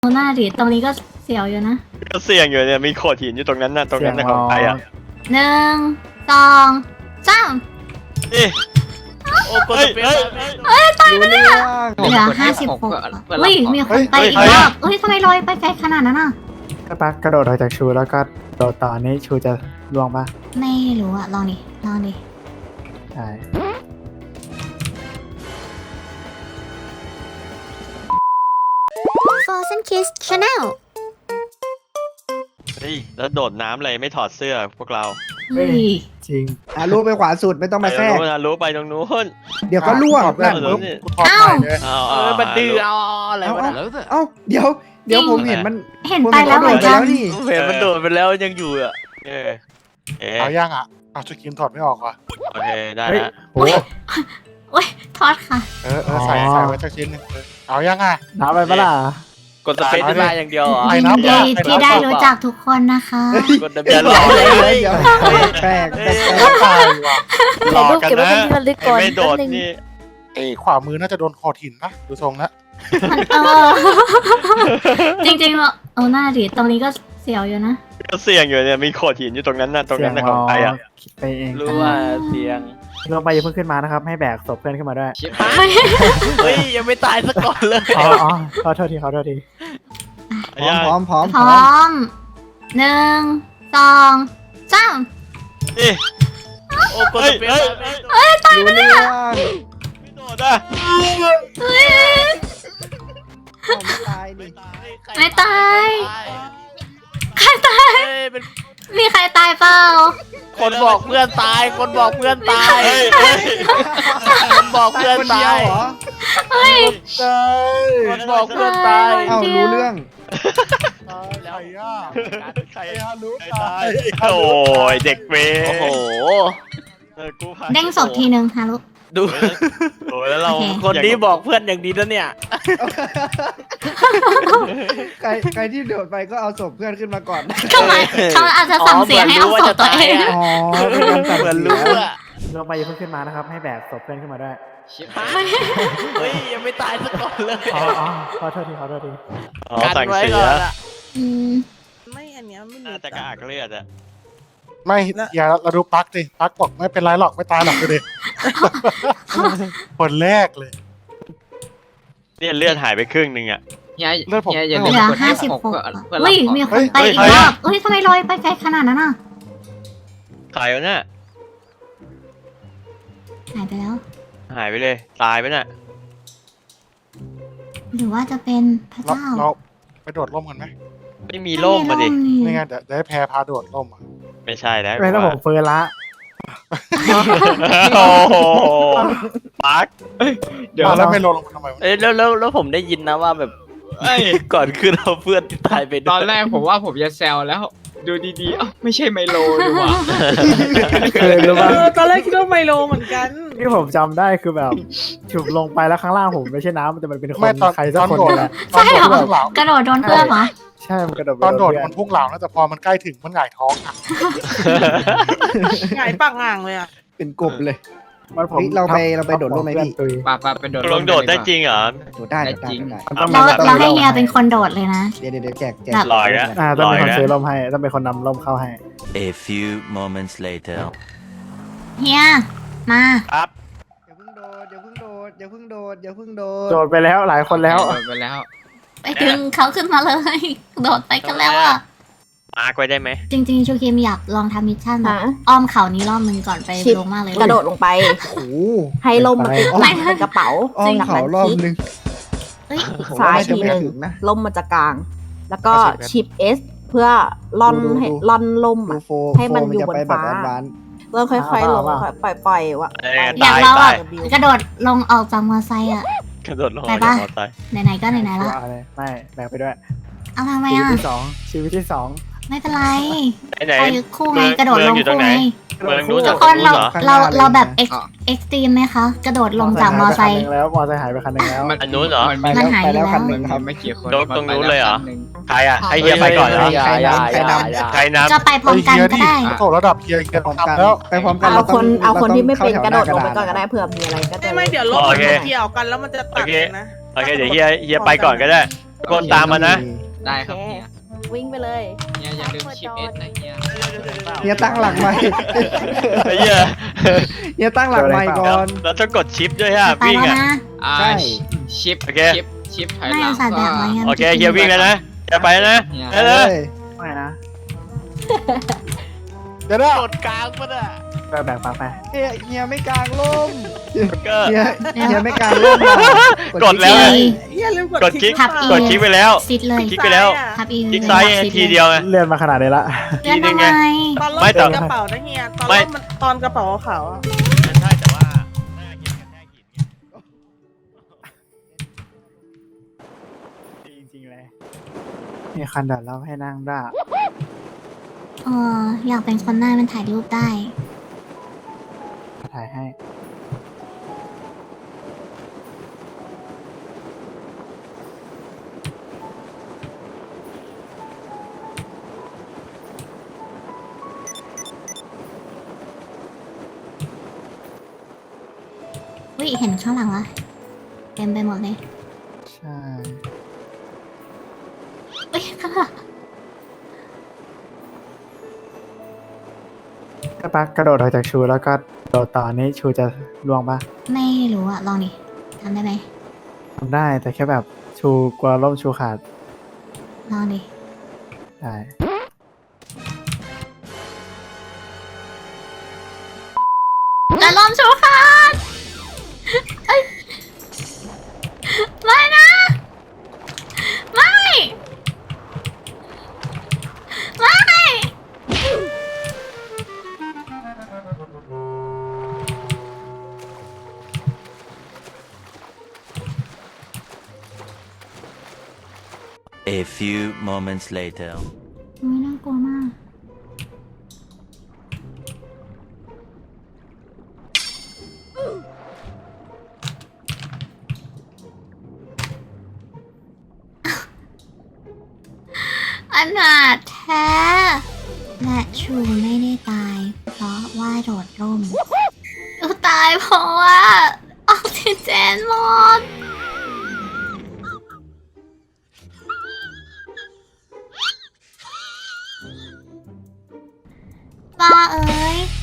หน้าดิตรงนี้ก็เสียวอยู่นะก็เสี่ยงอยู่เนี่ยมีโขดหินอยู่ตรงนั้นน่ะตรงนั้นน่ะของใครอ่ะ 1 2 3 โอ้กดเปลี่ยนตายไปแล้วเหลือ56อุ้ยมีคนไปอีกรอบเฮ้ยทำไมลอยไปไกลขนาดนั้นอ่ะก็ปักกระโดดออกจากชูแล้วก็โดดต่อนี้ชูจะล่วงปะไม่รู้อะลองดิใช่ Frozen Kiss Channel เฮ้ยแล้วโดดน้ำเลยไม่ถอดเสื้อพวกเราเฮ้ยจริงลูกไปขวาสุดไม่ต้องไปมาตรแทงรกนู้นนะรู้ไปตรงนู้นเดี๋ยวก็ล่วงนั่นั่นนปุ๊ปุ๊บบกูถอดใหม่เลยมันดื้อเอาอะไรวะเอ้าเดี๋ยวผมเห็นมันเห็นไปแล้วเหมือนกันนี่เห็นมันโดดไปแล้วยังอยู่อ่ะเออเอ๊ะเอาย่างอ่ะเอาสกินถอดไม่ออกว่ะโอเคได้เฮ้ยแล้วโอ้โอ้ยทอดค่ะใส่ไว้สักชิ้นหนึงเอาย่างอ่ะน้ำไปปะล่ะกดสเปซได้อย่างเดียวเหรอไปยินนับดีอ่ะที่ได้รู้จักทุกคนนะคะกด W รอเดี๋เลยยวแปลกตายว่ะรอกันนะไม่โดดนี่ขวามือน่าจะโดนคอหินนะดูทรงแล้วเออจริงๆเอาหน้าดิตรงนี้ก็เสียวอยู่นะก็เสี่ยงอยู่เนี่ยมีโขดหินอยู่ตรงนั้นน่ะตรงนั้นน่ะของใครอ่ะคิดไปเองรู้ว่าเสียงลงไปอย่าเพิ่งขึ้นมานะครับให้แบกศพเพื่อนขึ้นมาด้วยเฮ้ยยังไม่ตายสักก่อนเลยอ๋อขอโทษทีพร้อมพร้อม1 2 3 เอ๊ะโอ้กดสเปซรู้เรื่องไม่โดดอ่ะเฮ้ยไม่ตายดิไม่ตายใครตายเป็นมีใครตายเปล่าคนบอกเพื่อนตาย คนบอกเพื่อนตายเฮ้ยเฮ้ยคนบอกเพื่อนคนเดีตาวย เหรอเฮ้ยคนบอกเพื่อนตายเอ้ารู้เรื่องใครอ่ะใครไอ้ฮารุใครตาตายยโอ้ยเด็กเวรโอ้โหกูพาเด้งศพทีนึงฮารุดูโอ้ยแล้วเราโอเคคนนี้บอกเพื่อนอย่างดีนะเนี่ยใครที่โดดไปก็เอาศพเพื่อนขึ้นมาก่อนทำไมเขาอาจจะสั่งเสียให้เอาศพตัวเองอ๋อเป็นการสั่งเหมือนเสีรู้ยอะลงไปอย่าเพิ่งขึ้นมานะครับให้แบกศพเพื่อนขึ้นมาด้วยเฮ้ยยังไม่ตายสักก่อนเลยอ๋อขอโทษทีอ๋อสั่งเสียอืมไม่อันเนี้ยไม่มีน่าจะกระอักเลือดอ่ะไม่อย่าเราดูปักดิปักบอกไม่เป็นไรหรอกไม่ตายหรอกดูดิคนแรกเลยเนี่ยเลือดหายไปครึ่งนึงอ่ะเลือดผมเหลือ56เฮ้ยมีคนไปอีกรอบเฮ้ยทำไมลอยไปไกลขนาดนั้นอ่ะใครวะเนี่ยหายไปแล้วหายไปเลยตายไปน่ะหรือว่าจะเป็นพระเราเจ้าเราไปโดดร่มกันไหมไม่มีร่มมาดินี่ไงเดี๋ยวให้แพรพาโดดร่มอ่ะไม่ใช่แล้วไม่ต้องผมเฟิร์นละโอ้โหปักเดี๋ยวแล้วไม่ลงทำไมวะเอ้ยแล้วผมได้ยินนะว่าแบบก่อนขึ้นเอาเพื่อนที่ตายไปด้วยตอนแรกผมว่าผมจะแซวแล้ว ดูดีๆเอ้าไม่ใช่ไมโลดีกว่าเคยรู้ป่ะตอนแรกคิดว่าไมโลเหมือนกันที่ผมจำได้คือแบบถูกลงไปแล้วข้างล่างผมไม่ใช่น้ำแต่มันเป็นคนไม่ตอนใครสักคนโดดนี่แหละตอนโดดพุ่งเหลากระโดดโดนเพื่อนเหรอใช่มันกระโดดไปตอนโดดเพื่มันพุ่งเหลานะแต่พอมันใกล้ถึงมันหงายท้องอ่ะหงายปากห่างเลยอ่ะเป็นกบเลยมันผมเฮ้ยเราไปโดดร่มไหมพี่ตุยปาเป็นโดดลงโดดได้จริงเหรอโดดได้มันต้องเราให้เฮียเป็นคนโดดเลยนะเดี๋ยวแจกลอยนะต้องเป็นคนลอยนะซื้อร่มให้ต้องเป็นคนนำร่มเข้าให้ A few moments later. เฮียมาครับอย่าเพิ่งโดดอย่าเพิ่งโดดอย่าเพิ่งโดดอย่าเพิ่งโดดโดดไปแล้วหลายคนแล้วโดดไปแล้วไปดึงเขาขึ้นมาเลย โดดไปกันแล้วอ่ะมาร์กไว้ได้ไหมจริงๆชูคิมอยากลองทำมิชชั่นแบบอ้อมเขานี้รอบนึงก่อนไปลงมากเลยกระโดดลงไปโอ้โหให้ล่มมันติดหลังเป็นกระเป๋าอ้อมเขารอบนึงเฮ้ยซ้ายจะทีไม่หนึ่งถึงนะล่มมันจะกลาง แล้วก็ชิป S เพื่อล่อนให้ล่อนล่มดูอะโฟให้มันอยู่จะบนไปแบบฟ้าแอดวานซ์เริ่มค่อยๆลงค่อยปล่อยๆว่ะอยากลองแบบกระโดดลงออกจากมอไซค์อ่ะกระโดดลงไปมาปะจากมอเตอร์ไซค์ไหนๆก็ไหนๆละเอาเลยไม่แบกไปด้วยเอาทำไมชีวิตอ่ะที่สองชีวิตที่สองไม่เป็นไรไหนไปคู่ไงกระโดดลงอยู่ตรคู่งไหนไงเมืองนู้นทุกคนเราแบบเอ็กซ์ตรีมไหมคะ กระโดดลงจากมอไซค์แล้วมอไซค์หายไปคันหนึงแล้วอันนู้นเหรอมันหายไปไปแล้วแล้วคันหนึ่งครับไม่กี่คนโดดตรงนู้นเลยเหรอมัไปแวคันนึ่งใครอ่ะให้เฮียไปก่อนเหรออย่าใครนำก็ไปพร้อมกันก็ได้โถระดับเฮียไปพร้อมกันทำแล้วไปพร้อมกันเอาคนเราเอาคนที่ไม่เป็นเข้ากระโดดลงไปแถวหก่อนน้ากระดาษก็ได้เผื่อมีอะไรก็จะไม่เดี๋ยวรถโอมันเคจะเกี่ยวกันแล้วมันจะตัดโอเคนะโอเคเดี๋ยวเฮียไปก่อนก็ได้กดตามมานะได้ครับเฮียวิ่งไปเลยเฮียอย่าลืมชิปเอสนะเฮียเฮียตั้งหลักใหม่ไอ้เหี้ยเฮียตั้งหลักใหม่ก่อนเราต้องกดชิปด้วยฮะไปวิ่งแล้วอ่ะนะใช่ชิปโอเคชิปถอยไม่หลังใส่แบบไว้งั้นโอเคเฮียวิ่งแล้วนะจะไปแล้วนะเฮียไปเลยไม่นะเดี๋ยวนะกดกลางปะน่ะแบ่งปักไปเฮียไม่กลางร่มก็เฮียไม่กลางร่มอ่ะกดแล้วอีอย่าลืมกกดดคลิกทับอีกดคลิกไปแล้วซิดเลยคลิกไปแล้วทับอีคลิกซ้ายทีเดียวไงเลื่อนมาขนาดนี้ละเลื่อนทำไมตอนรถไม่แต่กระเป๋านะเฮียตอนไม่รถมันตอนกระเป๋าขาวอะใช่แต่ว่าหน้าเฮียกระแทกหินไงจริงๆเลยมีคันเดินแล้วให้นั่งได้อยากเป็นคนหน้ามันถ่ายรูปได้ถ่ายให้วิเห็นข้างหลังวะเต็มไปหมดเลยใช่เอ้ยข้างหลังถ้าปักกระโดดออกจากชูแล้วก็โดดต่อนี้ชูจะล่วงปะไม่รู้อะลองดิทำได้ไหมทำได้แต่แค่แบบชูกลัวล่มชูขาดลองดิได้แต่ลมชูขาดเอ้ยไม่นะ ไม่ ไม่ A few moments later. ไม่น่ากลัวมาก อนาถแท้ และชูไม่ได้ตาย เพราะว่าโดดร่มตายเพราะว่าออกซิเจนหมดบ้าเอ้ย